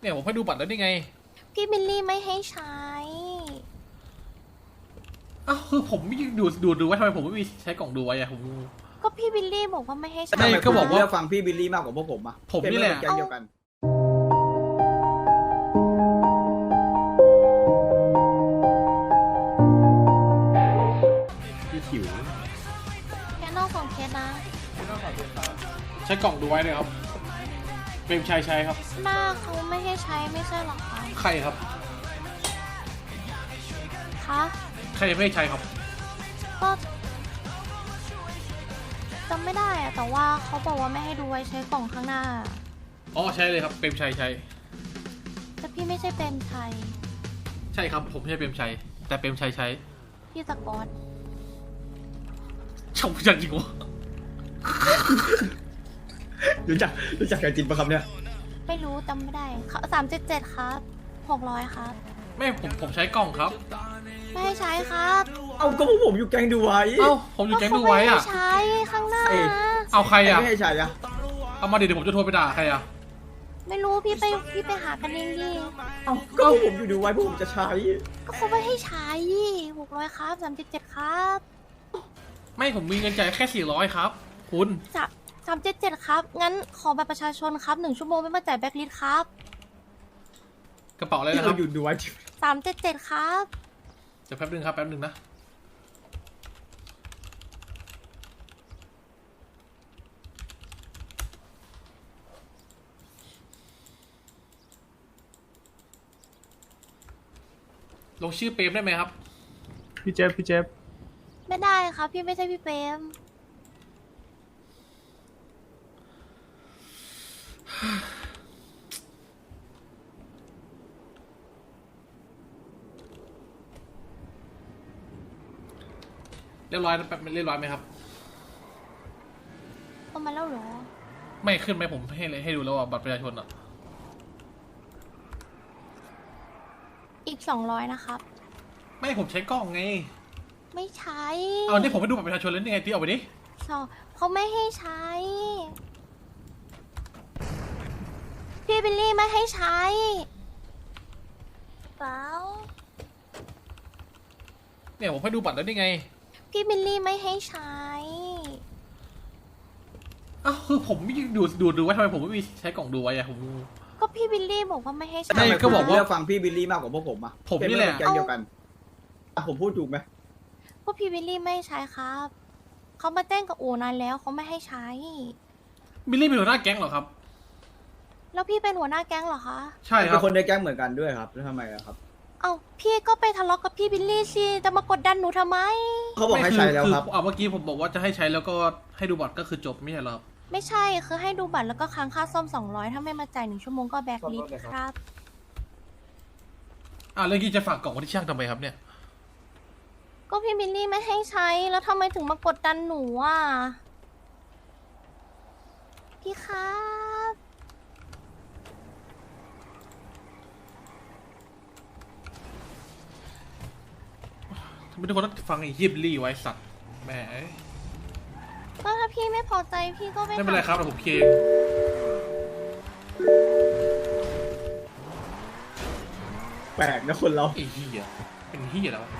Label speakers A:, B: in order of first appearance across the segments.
A: เนี่ยผมให้ดูบัตรแล้วนี่ไง
B: พี่บิลลี่ไม่ให้ใช้
A: อ้าวคือผมไม่ดูไว้ทำไมผมไม่มีใช้กล่องดูไว้อะผม
B: ก็พี่บิลลี่บอกว่าไม่ให้ใช้
A: ไม่ก็บอกว่า
C: เลือกฟังพี่บิลลี่มากกว่าพวกผมอะ
A: ผมนี่แหละ
C: เป็นแก๊งเดียวกัน
A: พี่ขิว
B: แค่นอกของเคสนะ
A: ใช้กล่องดูไว้เลยครับเปรมชัยใช้ครับ
B: หน้าเขาไม่ให้ใช้ไม่ใช่หรอคะ
A: ใครครับ
B: คะ
A: ใครไม่ให้ใช้ครับ
B: ก็จำไม่ได้อะแต่ว่าเขาบอกว่าไม่ให้ดูไว้ใช้กล่องข้างหน้า
A: อ๋อใช่เลยครับเปรมชัยใช้
B: แต่พี่ไม่ใช่เป็นไทย
A: ใช่ครับผมไม่ใช่เปรมชัยแต่เปรมชัยใช้
B: พี่สกอต
A: ชมจังจริงวะ
C: รู้จักกันจริงปะครับเนี่ย
B: ไม่รู้จำไม่ได้377ครับ600ครับ
A: ไม่ผมใช้กล่องครับ
B: ไม่ให้ใช้ครับ
C: เอาก็พวกผมอยู่แก๊งดูไว้
A: เอ้าผมอยู่แก๊งดูไว้อะ
B: ก็เขาไม่ให้ใช้ข้างหน้า
C: เอ้ย
A: เอาใครอะ
C: ไม่ให้ใช่อะ
A: เอามาเดี๋ยวผมจะโทรไปด่าใครอะ
B: ไม่รู้พี่ไปหากันเองดิ
C: เอาก็พวกผมอยู่ดูไว้พวกผมจะใช้
B: ก็เขาไม่ให้ใช้600ครับ377ครับ
A: ไม่ผมมีเงินจ่ายแค่400ครับคุณ
B: 377ครับงั้นขอบัตรประชาชนครับ1 ชั่วโมงไม่มาจ่ายแบ็คลิสต์ครับ
A: กระเป๋าอะไร
C: ที่
A: นะค
C: เรา
A: รับ
C: อยู่ดูไว้จริง
B: 377ครับ
A: เดี๋ยวแป๊บนึงครับแป๊บนึงนะลงชื่อเปรมได้ไหมครับ
D: พี่เจฟ
B: ไม่ได้ครับพี่ไม่ใช่พี่เปรม
A: เรียบร้อยนะแป๊บเรียบร้อยไหมครับ
B: เอามาแล้วเหรอ
A: ไม่ขึ้นไหมผมให้ดูแล้วอ่ะบัตรประชาชนอ่ะ
B: อีก200นะครับ
A: ไม่ผมใช้กล้องไง
B: ไม่ใช้
A: เอานี่ผมไปดูบัตรประชาชนแล้วนี่ไงที่เอาไปดิ
B: สองเขาไม่ให้ใช้ พี่บิลลี่ไม่ให้ใช้เปล่า
A: เนี่ยผมให้ดูบัตรแล้วนี่ไง
B: พี่บิลลี่ไม่ให้ใช้
A: อ้าวคือผมไม่ดูไว้ทำไมผมไม่มีใช้กล่องดูไว้อะผม
B: ก็พี่บิลลี่บอกว่าไม่ให้ใช้
A: ไม่ก็บอกว่า
C: เลือกฟังพี่บิลลี่มากกว่าพวกผมอะ
A: ผมนี่แหละ
C: เป็นแก๊งเดียวกันอ่ะผมพูดถูกไหม
B: ก็พี่บิลลี่ไม่ให้ใช้ครับเขามาแจ้งกับอู่นานแล้วเขาไม่ให้ใช้
A: บิลลี่เป็นหัวหน้าแก๊งเหรอครับ
B: แล้วพี่เป็นหัวหน้าแก๊งเหรอคะ
A: ใช่ค
C: เป็
A: รับ
C: นคนในแก๊งเหมือนกันด้วยครับแล้วทำไมอะครับ
B: เอ้าพี่ก็ไปทะเลาะกับพี่บิลลี่สิจะมากดดันหนูทำไม
C: เขาบอกให้ใช้แล้วครับ
A: เมื่อกี้ผมบอกว่าจะให้ใช้แล้วก็ให้ดูบัตรก็คือจบไม่ใช่เหรอครับ
B: ไม่ใช่คือให้ดูบัตรแล้วก็ค้างค่าซ่อม200ถ้าไม่มาจ่าย1 ชั่วโมงก็แบ็คลิสต์ครับ
A: เรื่องนี้จะฝากกล่องไว้ที่ช่างทำไมครับเนี่ย
B: ก็พี่บิลลี่ไม่ให้ใช้แล้วทำไมถึงมากดดันหนูอ่ะพี่ครับ
A: ทำไมทุกคนต้องฟังไอ้ยิบลี่ไว้สัตว์แหม
B: ก็ถ้าพี่ไม่พอใจพี่ก็ไป
A: ไม่เป็นไรครับเดี๋ยวผมเคลียร์
C: แปลกนะคนเรา
A: ไอ้เหี้ยเป็นเหี้ยแล้วะ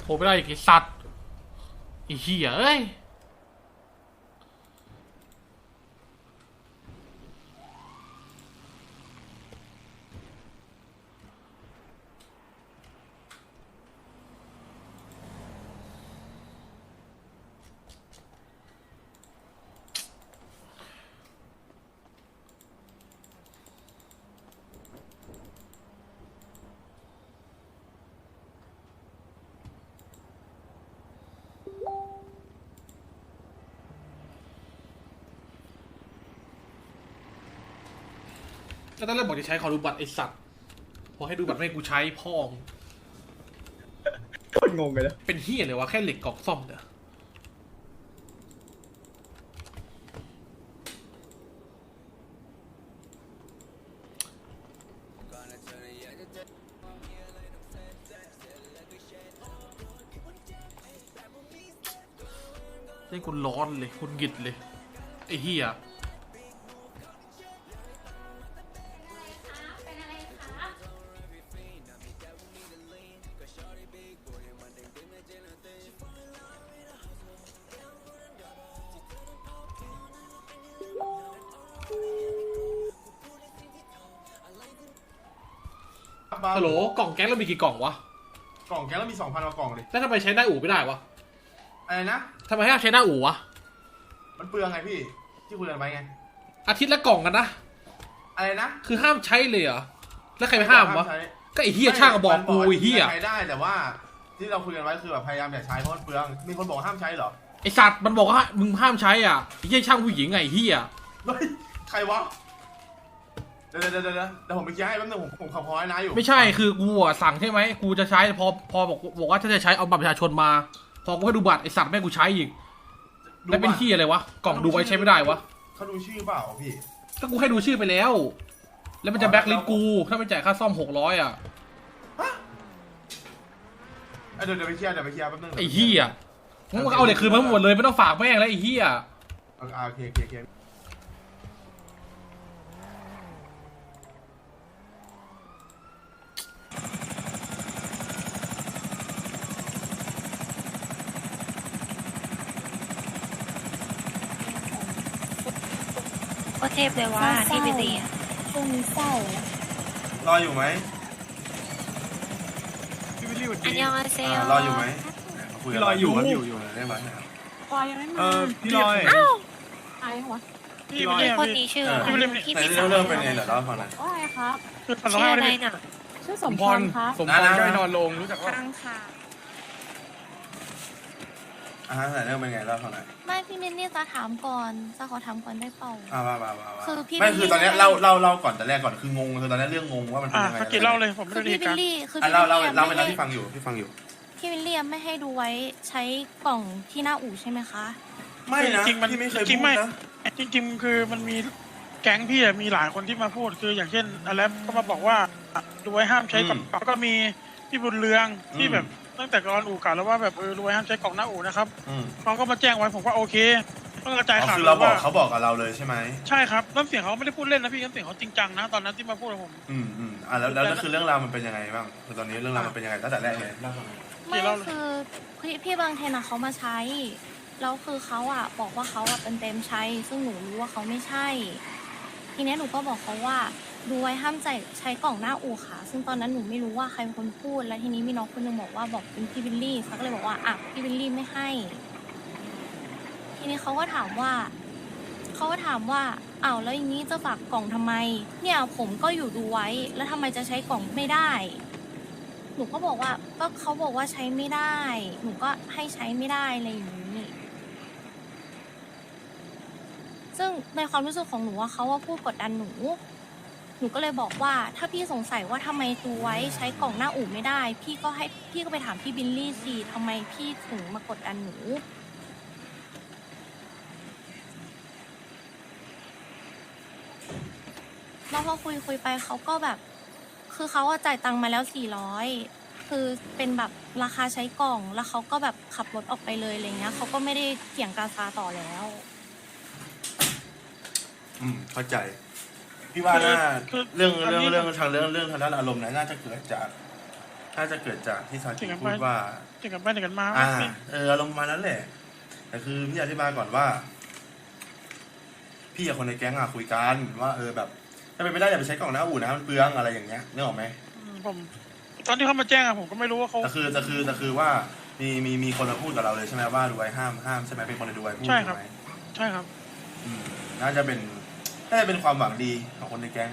A: โทรไม่ได้อีกไอ้สัตว์ไอ้เหี้ยเอ้ยก็ตอนแรกบอกจะใช้ขอดูบัตรไอ้สัตว์พอให้ดูบัตรไม่ให้กูใช้พ่อง
C: โคตรงงเลยนะ
A: เป็นเหี้ยเลยวะแค่เหล็กกรอกซ่อมเนี่ยให้คุณร้อนเลยคุณหงิดเลยไอ้เหี้ยฮัลโหลกล่องแก๊งเรามีกี่กล่องวะ
E: กล่องแก๊งเรามี 2,000 กว่ากล่องเลย
A: แล้วทำไมใช้หน้าอู่ไม่ได้วะ
E: อะไรนะ
A: ทำไมให้ใช้หน้าอู่วะ
E: มันเปลืองไงพี่ ที่คุยกันไปไง
A: อาทิตย์ละกล่องกันนะ
E: อะไรนะ
A: คือห้ามใช้เลยเหรอแล้วใครไปห้ามวะ
E: ใช้
A: ก็ไอ้เหี้ยช่างบอกกูไอ้เหี้ย
E: ใช้ได้แต่ว่าที่เราคุยกันไว้คือแบบพยายามอย่าใช้เพราะมันเปลือง มีคนบอกห้ามใช้เหรอ
A: ไอสัตว์มันบอกว่ามึงห้ามใช้อ่ะไอ้เหี้ยช่างผู้หญิงไงไอ้เหี้ย
E: เฮ้ย ใครวะ เดี๋ยวผมไปเคลียร์ให้แป๊บนึงผมขับพอยนะอยู่
A: ไม่ใช่คือกูอ่ะสั่งใช่ไหมกูจะใช้พอบอกว่าถ้าจะใช้เอาบัตรประชาชนมา พอกูให้ดูบัตรไอสัตว์แม่งกูใช้อีกแล้วเป็นเหี้ยอะไรวะกล่องดูไว้ใช้ไม่ได้วะ
E: เขาดูชื่อเปล่าพี่
A: ก็กูให้ดูชื่อไปแล้ว แล้วมันจะแบ็คลิสต์กูถ้าไม่จ่ายค่าซ่อม600อ่ะ
E: เดี๋ยวไปเคลียร์แป๊บนึง
A: ไอ้เหี้ยมึงก็เอาเหล็กคืนมาหมดเลยไม่ต้องฝากแม่งแล้วไอ้เหี้ย
E: โอเค
B: ก็เทพเลยว่าที่ไปตีอะ
F: ช่วงนี้เศร้าร
E: ออยู่ไหม
D: พี่วิลลี่สวัส
B: อัน
D: ดี
B: ยองอาเซล
E: รออยู่ไหมคุกัน
D: รออยู่
E: อยู่ได้ไหม
F: ปอยยังไม่มา
D: พี่ลอย
F: ใครวะ
D: พี่ลอย
B: คนนี้ชื่อพี่
E: ไหน
B: พิสาร
E: เรื่องเป็นไงเหรอเล่าให้ฟังหน่อย
F: ว่าไงครับ
B: ชื่ออะไรน่ะ
F: ชื่อสมพรครับ
D: สมพรย่อยนอนลงรู้จักว่า
F: ทางค่ะ
E: ไหนเรื่องเป็นไงเล่าให้ฟังหน่อย
B: ไม่พี่มินนี่จะถามก่อนจะขอถามก่อนได้เปล่า
E: ว่า
B: คือพี่
E: ไม่คือตอนนี้เล่าก่อนแต่แรกก่อนคืองงคือตอนนี้เรื่องงงว่ามันเป็นยังไง
G: เมื่อกี้เล่าเลยผมไม่
B: คือ
G: ได้
B: พี่
G: ดี
B: วิ
G: กั
B: ล
G: น
B: ลี่คือ
E: เล่า
B: พี่
E: เล่า
B: วิ
E: ไป
B: ล
E: แล้ว
B: ลี่
E: พี่ฟังอยู่
B: พี่วิลลี่ไม่ให้ดูไว้ใช้กล่องที่หน้าอู่ใช่ไหมคะ
E: ไม่นะ
G: จริงๆมัน
E: พี่ไม่เคย
G: จริ
E: พู
G: ง
E: ด
G: ไม่
E: นะ
G: จริงๆคือมันมีแก๊งพี่อะมีหลายคนที่มาพูดคืออย่างเช่นอะไรก็มาบอกว่าดูไว้ห้ามใช้กล่องแล้วก็มีพี่บุญเรืองที่แบบตั้งแต่ก่อนอู่เก่าแล้วว่าแบบดูไว้ห้ามใช้กล่องหน้าอู่นะครับเขาก็มาแจ้งไว้ผมว่าโอเคต้องกระจายข่าว
E: คือเราบอก
G: ว่า
E: เขาบอกกับเราเลยใช่ไหม
G: ใช่ครับน้ำเสียงเขาไม่ได้พูดเล่นนะพี่น้ำเสียงเขาจริงจังนะตอนนั้นที่มาพูดกับผม
E: แล้วคือเรื่องราวมันเป็นยังไงบ้างคือตอนนี้เรื่องราวมันเป็นยังไงตั้งแต่แรกเลยเล่าให้ฟังหน่อย
B: ไม่คือพี่บางเทนอะเขามาใช้แล้วคือเขาอะบอกว่าเขาอะเป็นเต็มใช้ ซึ่งหนูรู้ว่าเขาไม่ใช่ ทีนี้หนูก็บอกเขาว่าดูไว้ห้ามใช้กล่องหน้าอู่ค่ะ ซึ่งตอนนั้นหนูไม่รู้ว่าใครเป็นคนพูด แล้วทีนี้มีน้องคนหนึงบอกว่าบอกเป็นพี่บิลลี่เขาก็เลยบอกว่าอ่ะพี่บิลลี่ไม่ให้ ทีนี้เขาก็ถามว่าอ้าวแล้วอย่างนี้จะฝากกล่องทำไม เนี่ยผมก็อยู่ดูไว้ แล้วทำไมจะใช้กล่องไม่ได้ หนูก็บอกว่าก็เขาบอกว่าใช้ไม่ได้ หนูก็ให้ใช้ไม่ได้อะไรอย่างนี้ ซึ่งในความรู้สึกของหนูว่าเขาว่าพูดกดดันหนูก็เลยบอกว่าถ้าพี่สงสัยว่าทำไมดูไว้ใช้กล่องหน้าอู่ไม่ได้ พี่ก็ไปถามพี่บิลลี่สิทำไมพี่ถึงมากดดันหนูแล้วพอคุยไปเขาก็แบบ คือเขาจ่ายตังค์มาแล้ว400คือเป็นแบบราคาใช้กล่องแล้วเขาก็แบบขับรถออกไปเลยอะไรเงี้ยเขาก็ไม่ได้เถียงกาซาต่อแล้ว
E: เข้าใจพี่ว่าน่า
G: คือ
E: เรื่องทางด้านอารมณ์น่าจะเกิดจากน่าจะเกิดจากที่ซากิพูดว่า
G: จะกลับบ้านเดียวกันมา
E: อารมณ์ประมาณนั้นแหละแต่คือพี่อธิบายก่อนว่า พี่กับคนในแก๊งคุยกันว่าแบบถ้าเป็นไม่ได้อย่าไปใช้กล่องหน้าอู่นะมันเปลืองอะไรอย่างเงี้ยนึกออกไหม
G: ผมตอนที่เขามาแจ้งผมก็ไม่รู้ว่าเขา
E: แต่คือว่ามีคนมาพูดกับเราเลยใช่ไหมว่าดูไว้ห้ามใช่ไหมเป็นคนในดูไว้พูด
G: ใช่ครับ
E: ไหม
G: ใช่ครับ
E: น่าจะเป็นความหวังดีของคนในแก๊ง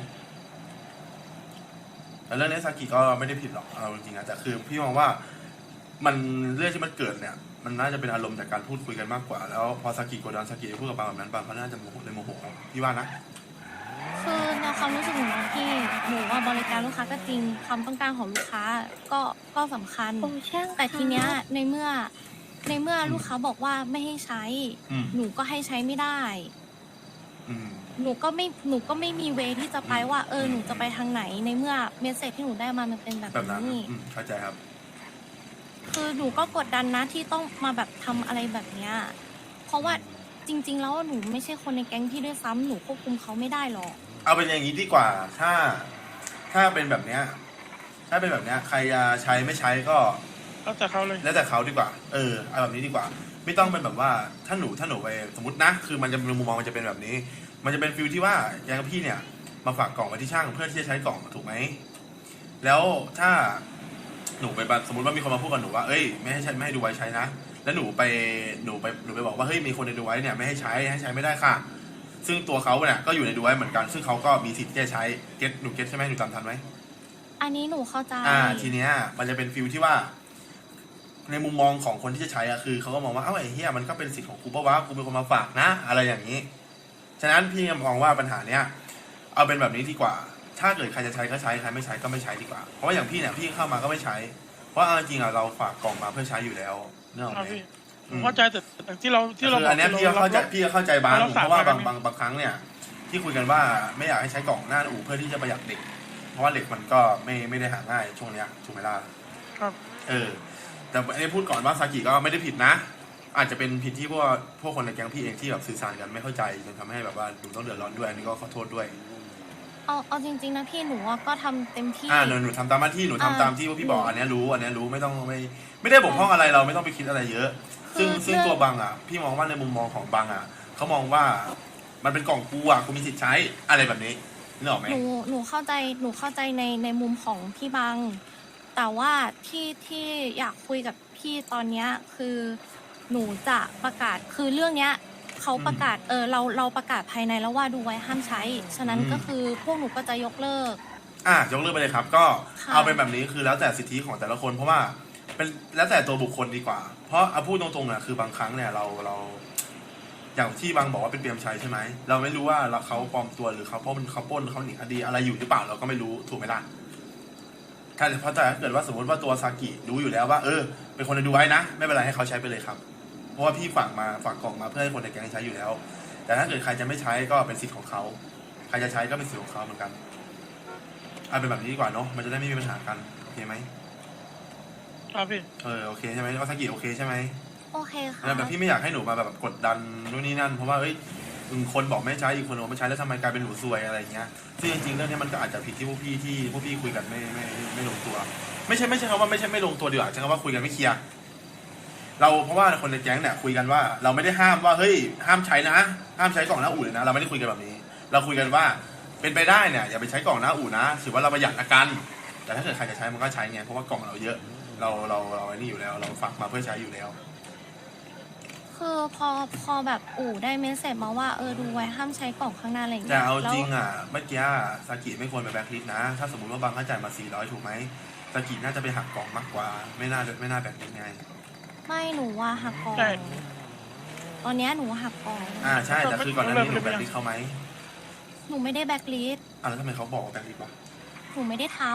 E: แต่เรื่องนี้ซากิก็ไม่ได้ผิดหรอกเอาจริงๆนะแต่คือพี่มองว่ามันเรื่องที่มันเกิดเนี่ยมันน่าจะเป็นอารมณ์จากการพูดคุยกันมากกว่าแล้วพอซากิกดดันซากิพูดกับบางแบบนั้นบางเขาน่าจะโมโหพี่ว่านะ
B: คือในความรู้สึกหนูนะพี่หนูว่าบริการลูกค้าก็จริงความต้องการของลูกค้าก็สำคัญ แต่ทีเนี้ยในเมื่อลูกค้าบอกว่าไม่ให้ใช้ หนูก็ให้ใช้ไม่ได้ หนูก็ไม่มีเวที่จะไปว่าหนูจะไปทางไหนในเมื่อเมสเซจที่หนูได้มามันเป็นแบบ
E: แบบนั้น
B: นี้
E: เข้าใจครับ
B: คือหนูก็กดดันนะที่ต้องมาแบบทำอะไรแบบเนี้ยเพราะว่าจริง ๆ แล้วหนูไม่ใช่คนในแก๊งพี่ด้วยซ้ำหนูควบคุมเขาไม่ได้หรอก
E: เอาเป็นอย่างนี้ดีกว่าถ้าเป็นแบบเนี้ยใครจะใช้ไม่ใช้ก็
G: แล้วแต่เขาเลย
E: แล้วแต่เขาดีกว่าเอาแบบนี้ดีกว่า ไม่ต้องเป็นแบบว่าถ้าหนูไปสมมตินะคือมันจะเป็นมุมมองมันจะเป็นแบบนี้ มันจะเป็นฟิลที่ว่าอย่างพี่เนี่ยมาฝากกล่องไว้ที่ช่างเพื่อที่จะใช้กล่องถูกไหมแล้วถ้าหนูไปสมมติว่ามีคนมาพูดกับหนูว่าไม่ให้ดูไว้ใช้นะแล้วหนูไปบอกว่าเฮ้ยมีคนในดูไว้เนี่ยไม่ให้ใช้ไม่ได้ค่ะซึ่งตัวเขาเนี่ยก็อยู่ในดูไว้เหมือนกันซึ่งเขาก็มีสิทธิ์ที่จะใช้หนูเก็ตใช่ไหมหนูจำทันไหม
B: อันนี้หนูเข้าใจ
E: ทีเนี้ยมันจะเป็นฟิลที่ว่าในมุมมองของคนที่จะใช้คือเขาก็มองว่าไอ้เหี้ยมันก็เป็นสิทธิ์ของกูปะวะกูเป็นคนมาฝากนะอะไรอย่างนี้ฉะนั้นพี่มองว่าปัญหาเนี้ยเอาเป็นแบบนี้ดีกว่าถ้าเกิดใครจะใช้ก็ใช้ใครไม่ใช้ก็ไม่ใช้ดีกว่าเพราะว่าอย่างพี่เนี่ยพี่เข้ามาก็ไม่ใช้เพราะจริงๆเราฝากกล่องมาเพื่อใช้อยู่แล้วเนอะ
G: ครับพี่ผมเข้าใจแต่ที่เรา
E: คืออันเนี้ยพี่ก็เข้าใจบาง
G: เรา
E: เพราะว่า
G: ฝากมา
E: บางครั้งเนี่ยที่คุยกันว่าไม่อยากให้ใช้กล่องหน้าอู่เพื่อที่จะประหยัดเหล็กเพราะว่าเหล็กมันก็ไม่ได้หาง่ายช่วงเนี้ยถูกไหมล่ะ
G: ครับ
E: แต่อันนี้พูดก่อนว่าซากิก็ไม่ได้ผิดนะ อาจจะเป็นผิดที่พวกคนในแก๊งพี่เองที่แบบสื่อสารกันไม่เข้าใจจนทำให้แบบว่าหนูต้องเดือดร้อนด้วยอันนี้ก็ขอโทษด้วย
B: เอาจริงๆนะพี่หนูก็ทำเต็มที่
E: หนูทำตามหน้าที่หนูทำตามที่ว่าพี่บอกอันนี้รู้ไม่ต้องไม่ได้บกพร่องอะไรเราไม่ต้องไปคิดอะไรเยอะ ซึ่งตัวบังพี่มองว่าในมุมมองของบังเขามองว่ามันเป็นกล่องกูกูมีสิทธิ์ใช้อะไรแบบนี้นึกออกไหม
B: หนูเข้าใจในมุมของพี่บัง แต่ว่าที่อยากคุยกับพี่ตอนเนี้ยคือหนูจะประกาศคือเรื่องเนี้ยเขาประกาศเราประกาศภายในแล้วว่าดูไว้ห้ามใช้ฉะนั้นก็คือพวกหนูก็จะยกเลิก
E: ยกเลิกไปเลยครับก็เอาเป็นแบบนี้คือแล้วแต่สิทธิของแต่ละคนเพราะว่าเป็นแล้วแต่ตัวบุคคลดีกว่าเพราะเอาพูดตรงๆคือบางครั้งเนี่ยเราอย่างที่บางบอกว่าเป็นเปรมชัยใช่ไหมเราไม่รู้ว่าเขาปลอมตัวหรือเขาปล้นเขาหนีคดีอะไรอยู่หรือเปล่าเราก็ไม่รู้ถูกไหมล่ะถ้าเกิดว่าสมมติว่าตัวซากิรู้อยู่แล้วว่าเป็นคนในดูไว้นะไม่เป็นไรให้เขาใช้ไปเลยครับเพราะว่าพี่ฝากกล่องมาเพื่อให้คนในแก๊งใช้อยู่แล้วแต่ถ้าเกิดใครจะไม่ใช้ก็เป็นสิทธิ์ของเขาใครจะใช้ก็เป็นสิทธิ์ของเขาเหมือนกันเอาเป็นแบบนี้ดีกว่าเนาะมันจะได้ไม่มีปัญหากันโอเคไหม
G: ครับพี่
E: โอเคใช่ไหมว่าซากิโอเคใช่ไหม
B: โอเคค่ะ
E: แต่พี่ไม่อยากให้หนูมาแบบกดดันนู่นนี่นั่นเพราะว่าคนบอกไม่ใช้อีกคนบอกไม่ใช้แล้วทำไมกลายเป็นหนูซวยอะไรเงี้ยซึ่งจริงๆเรื่องนี้มันก็อาจจะผิดที่พวกพี่คุยกันไม่ลงตัวไม่ใช่คำว่าไม่ลงตัวดีกว่าใช้คำว่าคุยกันไม่เคลียร์เราเพราะว่าคนในแก๊งเนี่ยคุยกันว่าเราไม่ได้ห้ามว่าเฮ้ยห้ามใช้นะห้ามใช้กล่องหน้าอู่เลยนะเราไม่ได้คุยกันแบบนี้เราคุยกันว่าเป็นไปได้เนี่ยอย่าไปใช้กล่องหน้าอู่นะถือว่าเราประหยัดอาการแต่ถ้าเกิดใครจะใช้มันก็ใช้ไงเพราะว่ากล่องเราเยอะเราไอ้นี่อยู่แล้วเราฝากมาเพื่อใช้อยู่แล้ว
B: คือพอแบบได้เมสเซจมาว่าดูไว้ห้ามใช้กล่องข้างหน้าอะไรอย่าง
E: แต่
B: เงี้ย
E: เอาจริงเมื่อกี้ซากิไม่ควรไปแบล็คลิสต์นะถ้าสมมติว่าบางเขาจ่ายมา400ถูกไหมซากิน่าจะไปหักกล่องมากกว่าไม่น่าแบล็คลิสต์ไง
B: ไม่หนูว่าหักกล่อง
G: ใช่
B: ตอนเนี้ยหนูหักกล่อง
E: ใช่แต่คือก่อนหน้านี้หนูแบล็คลิสต์เขาไหม
B: หนูไม่ได้แบ็คลิสต์
E: แล้วทำไมเขาบอกว่าแบล็คลิสต์วะ
B: หนูไม่ได้ทำ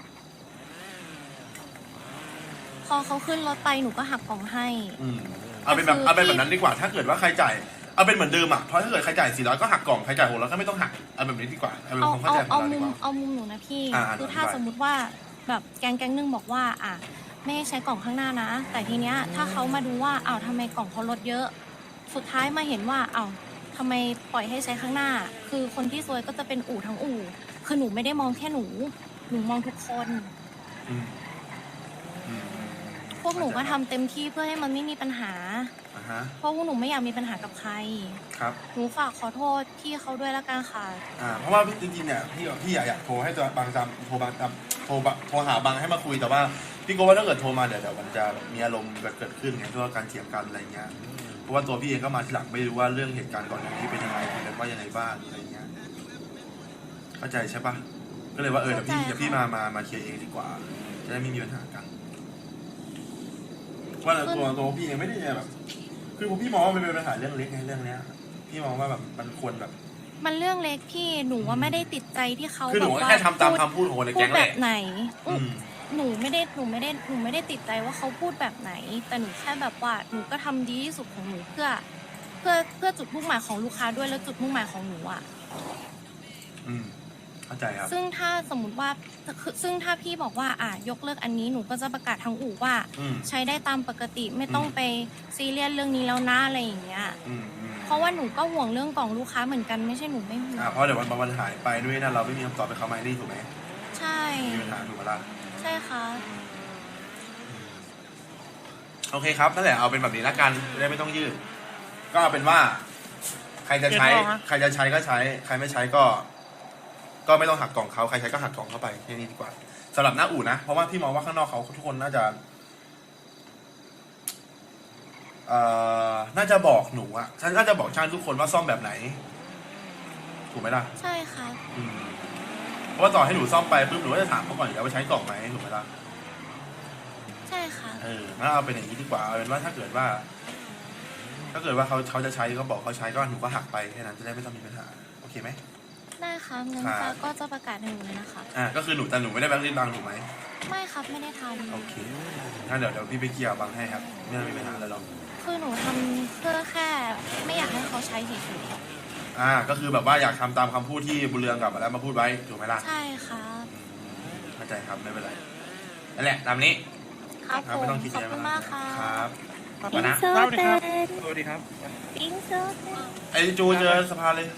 B: พอเขาขึ้นรถไปหนูก็หักกล่องให้
E: เอาเป็นแบบนั้นดีกว่าถ้าเกิดว่าใครจ่ายเอาเป็นเหมือนเดิมเพราะถ้าเกิดใครจ่าย400ก็หักกล่องใครจ่าย600ก็ไม่ต้องหักเอาแบบนี้ดีกว่าเอาเป็นความเข้าใจของเราดีกว่า
B: เอามุมหนูนะพี่ คือถ้า
E: ได้
B: สมมุติว่าแบบแก๊งนึงบอกว่าไม่ให้ใช้กล่องข้างหน้านะ แต่ทีเนี้ยถ้าเขามาดูว่าทำไมกล่องเขาลดเยอะ สุดท้ายมาเห็นว่าทำไมปล่อยให้ใช้ข้างหน้า คือคนที่ซวยก็จะเป็นอู่ทั้งอู่คือหนูไม่ได้มองแค่หนูมองทุกคน
E: อ
B: พวกหนูก็ทำเต็มที่เพื่อให้มันไม่มีปัญหา
E: อ่าฮะ
B: เพราะพวกหนูไม่อยากมีปัญหากับใคร
E: ครับ
B: หนูฝากขอโทษพี่เขาด้วยละกันค่ะ
E: เพราะว่าจริงๆเนี่ยพี่อยากโทรให้ตัวบางจำโทรหาบางให้มาคุยแต่ว่าพี่ก็ว่าถ้าเกิดโทรมาเดี๋ยวมันจะมีอารมณ์เกิดขึ้นไงเพราะว่าการเถียงกันอะไรเงี้ยเพราะว่าตัวพี่เองก็มาทีหลังไม่รู้ว่าเรื่องเหตุการณ์ก่อนหน้านี้เป็นยังไงคุยกันว่ายังไงบ้างอะไรเงี้ยเข้าใจใช่ปะก็เลยว่าเดี๋ยวพี่มาเคลียร์เองดีกว่าจะได้ไม่มีปัญหากันว่าตัวพี่เองไม่ได้แบบคือผมพี่มองว่ามันเป็นปัญหาเรื่องเล็กไงเรื่องเนี้ยพี่มองว่าแบบมันควรแบบ
B: มันเรื่องเล็กพี่หนูว่าไม่ได้ติดใจที่เขา
E: คือหนู
B: แบบว่า
E: แค่ทำตามคำพูดของคนใน
B: พู
E: แก๊
B: ด
E: ง
B: แบ
E: แหละ
B: บไหน
E: อืม
B: หนูไม่ได้ติดใจว่าเขาพูดแบบไหน แต่หนูแค่แบบว่าหนูก็ทำดีที่สุดของหนูเพื่อจุดมุ่งหมายของลูกค้าด้วยแล้วจุดมุ่งหมายของหนูอ่ะ
E: เข้าใจครับ
B: ซึ่งถ้าสมมติว่าซึ่งถ้าพี่บอกว่ายกเลิกอันนี้หนูก็จะประกาศทางอู่ว่า ใช้ได้ตามปกติไม่ต้องไปซีเรียสเรื่องนี้แล้วนะอะไรอย่างเงี้ยเพราะว่าหนูก็ห่วงเรื่องกล่องลูกค้าเหมือนกันไม่ใช่หนูไม่ห่วง
E: เพราะเดี๋ยววันหายไปด้วยนะเราไม่มีคำตอบไปเขาไหมนี่ถูกไหม
B: ใช่
E: มีปัญหาถูกไหมล่ะ
B: ใช่ค่ะ
E: โอเคครับนั่นแหละเอาเป็นแบบนี้ละกันจะได้ไม่ต้องยืดก็เอาเป็นว่า ใครจะใช้ก็ใช้ใครไม่ใช้ก็ไม่ต้องหักกล่องเขาใครใช้ก็หักกล่องเข้าไปแค่นี้ดีกว่าสำหรับหน้าอู่นะเพราะว่าพี่มองว่าข้างนอกเขาทุกคนน่าจะบอกหนูอะฉันน่าจะบอกช่างทุกคนว่าซ่อมแบบไหนถูกไหมล่ะ
B: ใช่ค่ะ
E: เพราะว่าต่อให้หนูซ่อมไปปุ๊บหนูก็จะถามเขาก่อนอยู่แล้วว่าใช้กล่องไหมถูกไหมล่ะ
B: ใช่ค่ะ
E: งั้นเอาเป็นอย่างนี้ดีกว่าเอาเป็นว่าถ้าเกิดว่าเขาจะใช้ก็บอกเขาใช้ก็หนูก็หักไปแค่นั้นจะได้ไม่ต้องมีปัญหาโอเคไหม
B: ได้ค่ะงั้นฟ้าก็จะประกาศให้หนูเลยนะคะ
E: ก็คือแต่หนูไม่ได้แบงค์ลิ้นบางถูกไหม
B: ไม่ครับไม่ได้ท
E: โอเคงั้นเดี๋ยวพี่ไปเกี่ยวบางให้ครับไม่ต้องมีปัญหาอะไรหรอก
B: ำคือหนูทำเพื่อแค่ไม่อยากให้เขาใช้เฉย
E: ก็คือแบบว่าอยากทำตามคำพูดที่บุญเรืองกับแล้วมาพูดไว้ถูกไหมล่ะ
B: ๆใช่ครับ
E: เข้าใจครับไม่เป็นไรนั่นแหละตามนี้
B: ครับผม
E: ไม่ต้องคิด
B: ขอบ
E: เยอะ
B: คุณมากค่ะ
E: ครับ
F: อิน
E: นะ
F: เซอร์เตน
D: สวัสดีครับ
F: อินเซอร์เตน
E: ไอ้จูเจอสภาเลย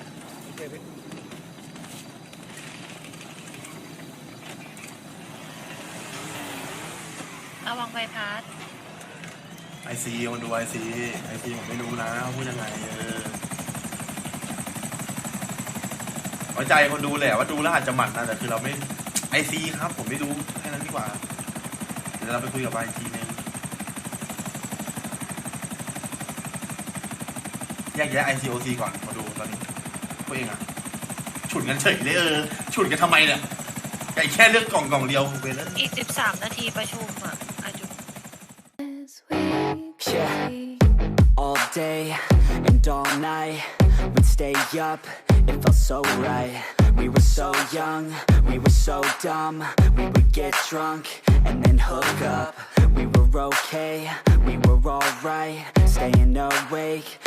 B: ระวังใบพัด
E: ไอซีคนดูไอซีผมไม่รู้นะเขาพูดยังไงไว้ใจคนดูแหละว่าดูแล้วอาจจะหมั่นนะแต่คือเราไม่ไอซีครับผมไม่ดูแค่นั้นดีกว่าเดี๋ยวเราไปคุยกับไอซีนึงแยกแยะ ICOC ก่อนมาดูตอนนี้พวกเองอะฉุดกันเฉยเลยฉุดกันทำไมเนี่ยไก่แค่เลือกกล่องเดียวเวลา
B: อีก13 นาทีประชุมอ่ะอาจุ
H: Yeah, all day and all night, we'd stay up, it felt so right. We were so young, we were so dumb, we would get drunk and then hook up. We were okay, we were alright, staying awake